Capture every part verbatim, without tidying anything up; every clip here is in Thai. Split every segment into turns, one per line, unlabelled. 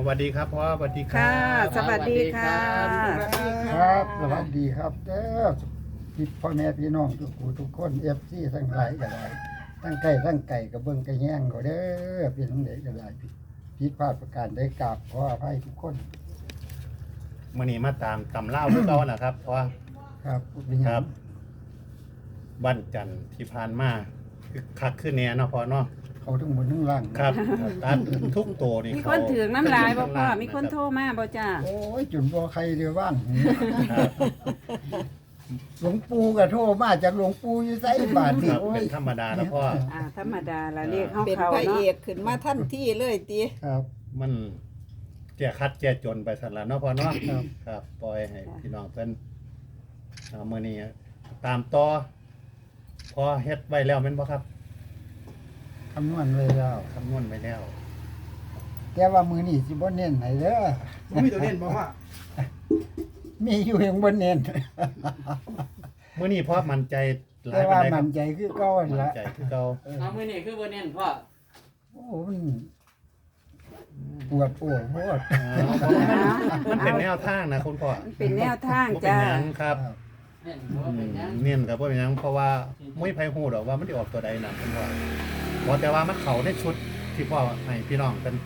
วัสดีครับพ่อสวัสดีครั
ค่ะ
บ
สวัสดีค่ะ
ครับสวัสดีครับเด้อพี่พ่อแม่พี่น้องทุกผู้ทุกคนเอฟซีทั้งหลายก็ได้ทั้งไก่ทั้งไก่กับเบิ้งไก่แห้งก็เด้อพี่น้องเด็กก็ได้ผิดผิดพลาดประการได้กราบขออภัยทุกคน
มื่อนี้มาตามตำเล่าทุกตอนนะครับเพราะว่า
ครับเป็นห
ค
ยั
รั
ง
บวันจันทร์ที่ผ่านมาคือคักขึ้นแน่เนาะพ่อเนาะ
เขาทั้งบนทั้งล่าง
ครับตัดทุกตัวนี่
มี
เขา
คนถือน้ำลายบ่พ่อ
ครับ
มีคนโทรมาบ่จ้า
โอ้ยจุนบ่ใครเดียวว่าง
ครับ
หลวงปู่ก็โทรมาจากหลวงปู่อยู่ไสบาท
ค
นี่
รับ
โอ้
เป็
ย
นธรรมดาแล้วพ่อ
อ่าธรรมดาละเรียกเฮา
เป็น
เขา
พระเอ
เนาะ
กขึ้นมาทันทีเลยติ
ครับ
มันแก้คัดแก้จนไปสันละเนาะพ่อเนาะ
ครับ
ครับปล่อยให้พี่น้องเพิ่นเอามื่อนี้ตามต่อพอเฮ็ดไว้แล้วแม่นบ่ครับ
คำนวณไว้แล้ว
คำนวณไว้แล้ว
แต่ว่ามือนี่สิบ่เน้นให้เด้อ
บ่มีตัวเด่นบ่ว่า
มีอยู่ยังบ่เน้น
มื่อนี้พ่อมั่นใจหลา
แต่
ยปา
ว่าน
ใดค
มั
รับ
นใจคือเก่าหั่น
มั่น
ละ
ใจคือเก่า
เอามือนี่คือบ่เน้นพ่อ
โอ้มันปวดโอ้โหด
อ๋อเพราะว่ามันมันเป็นแนวทางนะคุณพ่อ
มันเป็นแนวทาง
บ่เป็น
จ้า
หยังครับ
เน้น
อื
บ่เป็นหยัง
มเน้นกับบ่เป็นหยังเพราะว่าไม่ไผฮู้ดอกว่ามันสิออกตัวใดนํคุณพ่อเพราะแต่ว่ามันเข้าในชุดที่พ่อให้พี่น้องเป็น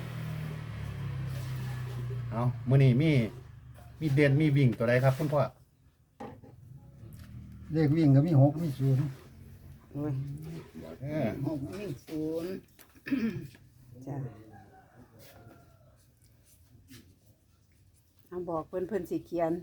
เอามื้อนี้มีมีเด่นมีวิ่งตัวใดครับคุณพ่อ
เลขวิ่งก็มีหกมีศูนย์
โอ้ย
เออ
หกหนึ่งศูนย์
จ้าเอาบอกเพิ่นเพิ่นสิเขียน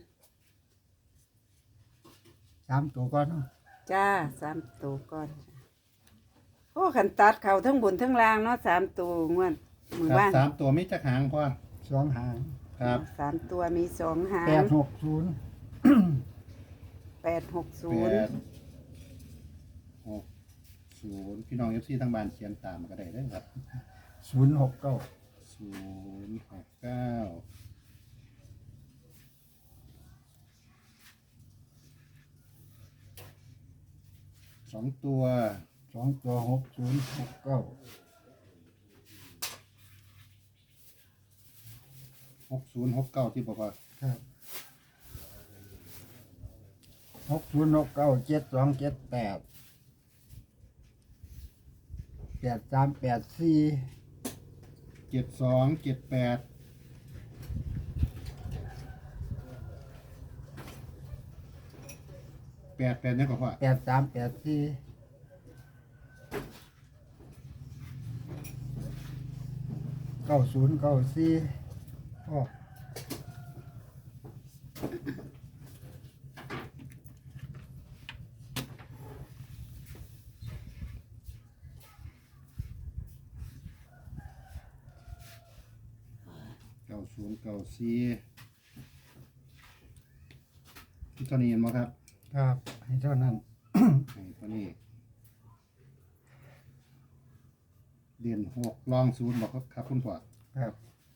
สามตัวก่อนเนาะ
จ้าสามตัวก่อนโอ้ขันตัดเขาทั้งบนทั้งล่างเนาะสามตัวงวดมือ
ครับ
ว่าน
สามตัวมีจักหางพ่อ
สองหาง
ครับ
สามตัวมีสองหา
แป
ง
ดหกศูนย์
แปดหกศู
แป
นย์
ดหกศูนย์พี่น้อง เอฟ ซี ทางบ้านเขียนตามก็ได้เด้อครับ
ศูนย์หกเก้า
ศูนย์หกเก้าสองตัว
สองตัวหกศูนย์หกเก้า
หกศูนย์หกเก้าที่บอกว่า
ครับหกศูนย์หกเก้าเจ็ดสองเจ็ดแปดแปดสามแปดสี่
เจ็ดสองเจ็ดแปดแปดแปดนี่ก็พอ
แปดสามแปดสี่เก้าศูนย์เก้าสี่โอ้
เก้าศูนย์เก้าสี่ที่ตอนนี้เห็นไหมครับ
ครับให้เท่านั้น
ไอ้ตัวนี้เรียนหกลองศูนย์บอกครับครับคุณพ่อ
ครับ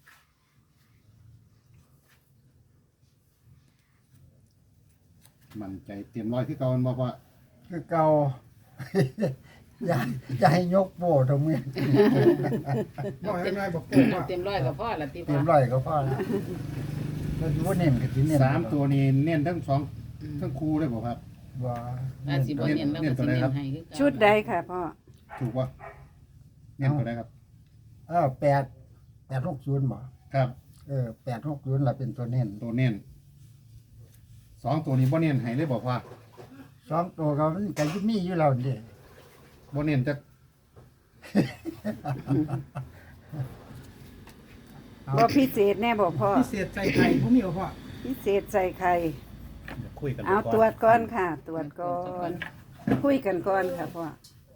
มั่นใจเตรียมร้อยที่เก่ามันบอกว่า
คือเก่า อย่าอย่าให้ยกโบทำไม
บ่ให้ง่ายบอก
เต็มร้อยกับพ่อละติ
เตรี
พ่
ย
อ
มร้อยก็พอแล้วแล้วดูว่าเน้นกับที่เน้น
สามตัวนี้เน้นทั้งสองทั้งคู่เลยบอกครับ
ว่า
อาสิบ่เน้นแล้วก็สิเน้นให้คือเก่า
ชุดใดค่ะพ่อ
ถูกป่ะเน้นตัวไหนครับ
เออแปดแปดหกศูนย์บ่
ครับ
เออแปดหกศูนย์ละเป็นตัวเน้น
ตัวเน้นสองตัวนี้บ่เน้นให้เลยบอกว่า
สองตัวก็มันก็มีอยู่แล้วนี่
บ่เน้นจะ
บ่พิเศษแน่บ่พ่อ
พิเศษใจไข่บ่มีบ่พ่อ
พิเศษใส่ไข่
คุยกัน
เอา
ก่น
ตรวจก่อนค่ะ ตรวจก่อน คุยกันก่อนค่ะพ่อ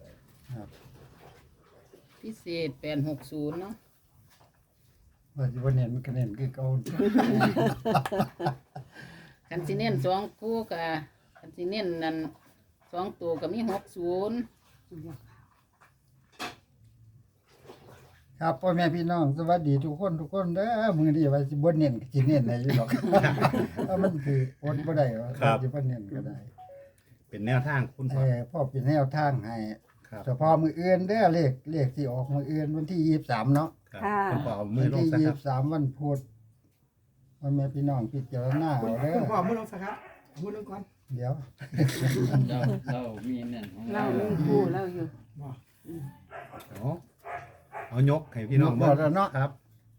พิเศษแปดหกศูนย์เนาะ
ว่าสิบ่เน้นมันก็เน้นคือเก่า
คันสิเน้นสองคู่ก็คันสิเน้นนั่นสองตัวก็มีหกศูนย์
ครับพ่อแม่พี่น้องสวัสดีทุกคนทุกคนเด้อมื้อนี้ว่าสิบ่เน้นก็สิเน้นได้อยู่หรอก เพราะมันคืออดบ่ได้ว่าสิบ่เน้นก็ได้
เป็นแนวทางคุณ
เอ
พ่อ
อพ่อเป็นแนวทางให้
ครับ
เฉพาะมื้ออื่นเด้อเลขเลขที่ออกมื้ออื่นวันที่ยี่สิบสามเนาะ
ครับ
ค่ะ
คุณพ่อเอามื
วั
อน ลง
ที่
ซะ
ยี่
ค
สิ
รับบ
สามวันพุธวันแม่พี่น้องพิจารณา
คุณ
เอาเด้อ
คุณพ่อมือลงสักครับมือลงก่อน
เดี๋ยว
เราเรามีนั่นของ
เรา
เรา
มีคู่เราอยู่
บ่
เอาเอายกให้พี่น้อง
ยกบ่แล้วเนาะ
ครับ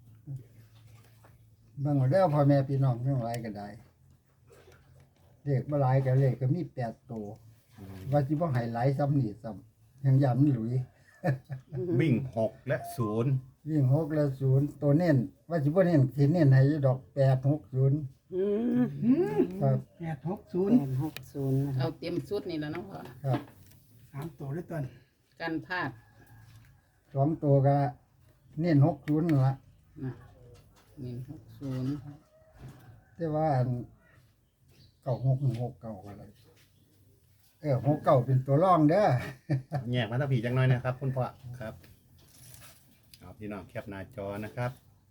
เบิ่งเอาเด้อพ่อแม่พี่น้องทั้งหลายก็ได้เลขบ่หลายก็เลขก็มีแปดตัวว่าสิบ่ให้หลายซ้ำนี่ซ้ำยังย้ำหลุย
วิ่งหกและศูนย์
วิ่งหกและศูนย์ตัวเน้นว่าสิบ่เน้นสิเน้นให้อยู่ดอกแปดหกศูนย์
อืม
อืม
ครับ
แปดหกศูน
แป
ย์
ดหกศูนย์นะ
เอาเต็มชุดนี่แล้วเนาะพ่อ
ครับ
สามตัวด้วยต้น
กันพลาด
สองตัวก็เน้นหกศูนย์นั่นละ
นะหนึ่งหกศูนย์
แต่ว่าอันเก้าหกหนึ่งหกเก้าอะไรเออหกเก้าเป็นตัวร่องเด้อ
แยกมาตะผีจังน้อยนะครับ คุณพ่อครับเอาพี่น้องแคปหน้าจอนะครับ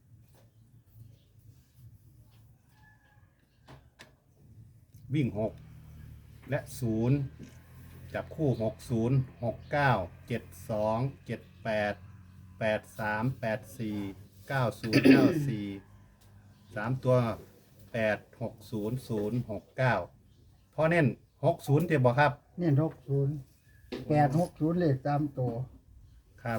วิ่งหกและศูนย์จับคู่หกศูนย์หกเก้าเจ็ดสองเจ็ดแปดแปดสามแปดสี่เก้าศูนย์เก้าสี่สามตัวแปดหกศูนย์ศูนย์หกเก้าพ่อเน้นหกศูนย์เจ็บบ่ครับ
เน้นหกศูนย์แปดหกศูนย์เลขตามตัว
ครับ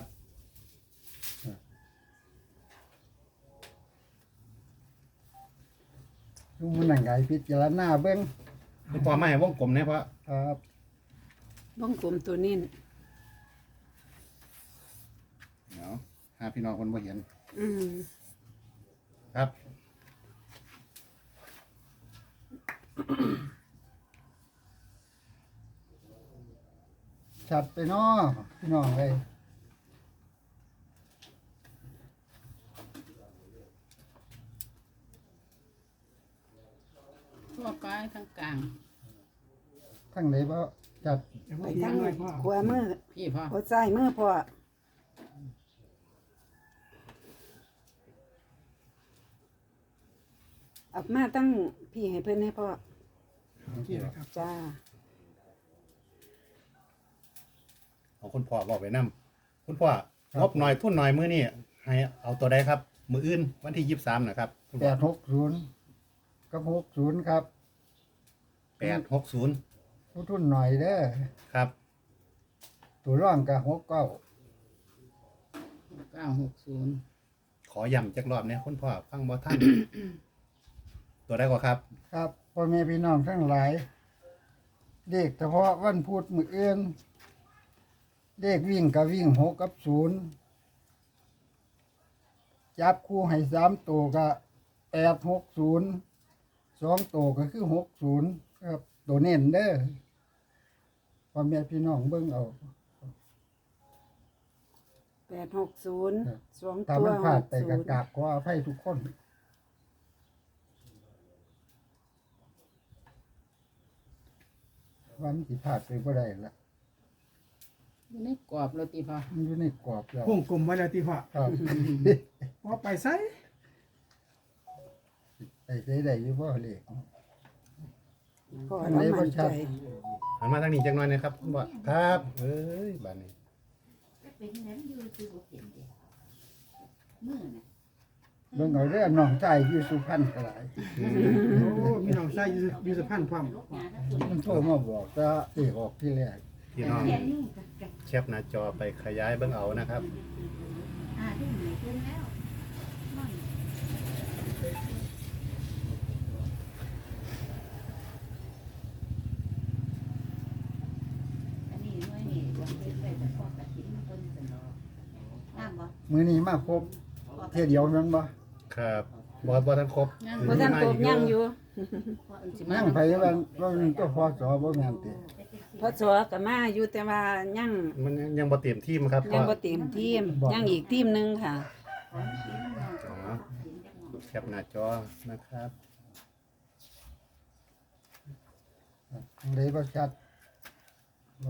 ทุกมันนั่งไงพิจารณาเบิ้ง
คุณพ่อไม่ให้วงกลมนะเพราะ
ครับ
บ้องกลมตัวนี้
เดี๋ยวหาพี่น้องคนบ่เห็น
อืม
ครับ
ชัดไปเนาะพี่น้องเลย
ทั่วไปทั้งกลาง
ทั้งไหนบ่จัด
เดี๋ยว
ไป
พ่อเพีย
ทั้
ง
ง
หน่อยพ่อ
ขวามือ
พี่พ่อ
หัวใจมือพ่อเอามาตั้งพี่ให้เพื่อนให้พ่อ
ที่นะครับ
จ้า
เอาคุณพ่อบอกไปนํคุณพ่องบหน่อยทุนหน่อยมื้อนี้ให้เอาตัวใดครับ มื้ออื่นวันที่ยี่สิบสามนะครับคุณ
แป
พ่อ
ดหกศูนย์กับหกศูนย์ครับ
แปดหกศูนย์
ผู้ทุนหน่อยเด้อ
ครับ
ตัวร่องกับหกเก้า
เก้าหกศูนย์
ขอย้ำจักรอบเนี่ยคุณพ่อฟังบ่ทัน ตัวใดก็ครับ
ครับพ่อแม่พี่น้องทั้งหลายเด็กเฉพาะวันพุธมื้ออื่นเด็กวิ่งกับวิ่งหกกับศูนย์จับคู่ให้สามตัวก็แปดหกศูนย์สองตัวก็คือหกศูนย์ครับตัวเน้นเด้อพ่อแม่พี่น้องเบิ่งเอา
แปดหกศูนย์
ครับ
สอง
ถ้า
ตัว
มันพ
ห
ลาด
ก
ไป
ศู
ก็
นย์
กราบขออภัยทุกคนวันที่พลาดไปบ่ได้ละ
อยู่ในกรอบโรตีพ่อ
มันอยู่ในกรอบแล้ว
วงกลมไว้แล้วที่พ่อ
ครับ
พ่อไปไส
ไอ้ใช้ได้อยู่บ่เลข
พ่อ
อัน
เรา
ไหนบ่
มั่น
ชั
ใจ
ด
หันมาทางนี้จักหน่อยนะครับคุณพ่อครับ เอ้ยบาดนี้
เบิ่งเอาเด้อน้องชายอยู่สุพรรณก็หลาย
โอ้มีน้องชายอยู่อยู่สะพานพร้อม
มันโทรมาบอกว่าเอกออกที่แรก
พี่น้องแคปหน้าจอไปขยายเบิ่งเอานะครับ
มื้อนี้มาครบเที่ยเดียวนั้นบ่
ครับบ่บ่ทันครบ
ยัง
บ่ทันตบยังอยู่
สิมา
นั่งไผว่าว่ามันก็พอสอบ่แม่นติ
พอสอก็มาอยู่แต่ว่ายัง
มันยังบ่เต็มที่มั้งครับ
ยัง
พ่
บ่
อ
เต็มทีมยังอีกทีมหนึงค่ะ
อ๋อแคปหน้าจอนะครับ
อันใดบ่ชัดบ่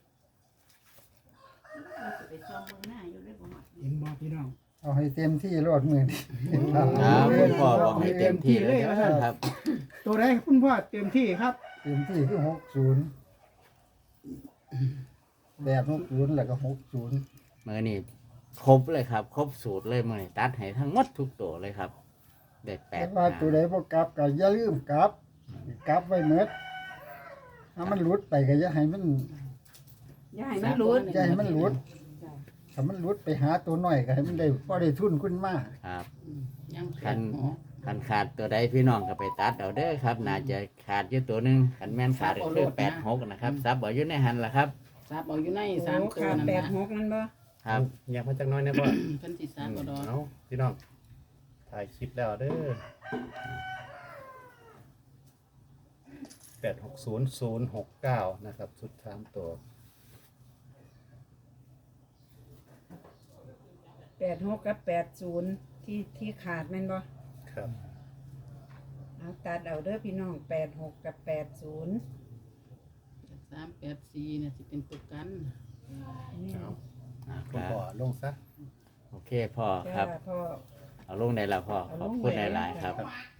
เห็นบ่พี่น้อง
เอาให้เต็มที่รอดมื้อนี้
ครับคุณพ่อบอกให้เต็มที่เลยครับ
ตัวใดคุณพ่อเต็มที่ครับ
เต็มที่คือหกศูนย์แปดหกศูนย์แล้วก็หกศูนย์
เมื่อนี่ครบเลยครับ ครบสูตรเลยมื่อนี้ตัดให้ทั้งหมดทุกตัวเลยครับได้แป
แต่
ด
ว่า
หาง
ตัวใดบ่กลับก็อย่าลืมกลับกลับไว้เมดถ้ามันหลุดไปก็อย่าให้มัน
อย่าให้มันหลุด
อย่าให้มันหลุดถ้ามันหลุดไปหาตัวน้อยก็ให้มันได้พอได้ทุนขึ้นมา
ครับ
ยังแป
คั
ด
น
หก
คันขาดตัวใดพี่น้องก็ไปตัดเอาเด้อครับน่าจะขาดอยู่ตัวหนึงคันแม่นขาดก็คือแปดหกนะครับซับเอาอยู่ในหันล่ะครับ
ซับเอาอยู่ใน
โอ้
สามตัว
ขาด
นั่น
แปด
นะ
หกนั่นบ่
ครับ
อยากมาจากน้อยนะพ่อ
เพิ่นสิซับเอาดอก
เอาพี่น้องถ่ายคลิปแล้วเด้อแปดหกศูนย์ศูนย์หกเก้านะครับสุดสามตัว
แปดหกกับแปดศูนย์ที่ที่ขาดแม่นบ่
ครับ
เอาตัดเอาเด้อพี่น้องแปดหกกับแปดศูนย์
สามแปดสี่เนี่ยสิเป็นตัวกัน
นี่
เอา
อ่าค
คุณ
รับ
พ่อลงซะ
โอเคพ่อครับ
จ้าพ่อ
เอาลงได้แล้วพ่อขอบคุณหลายๆครับ
ครับ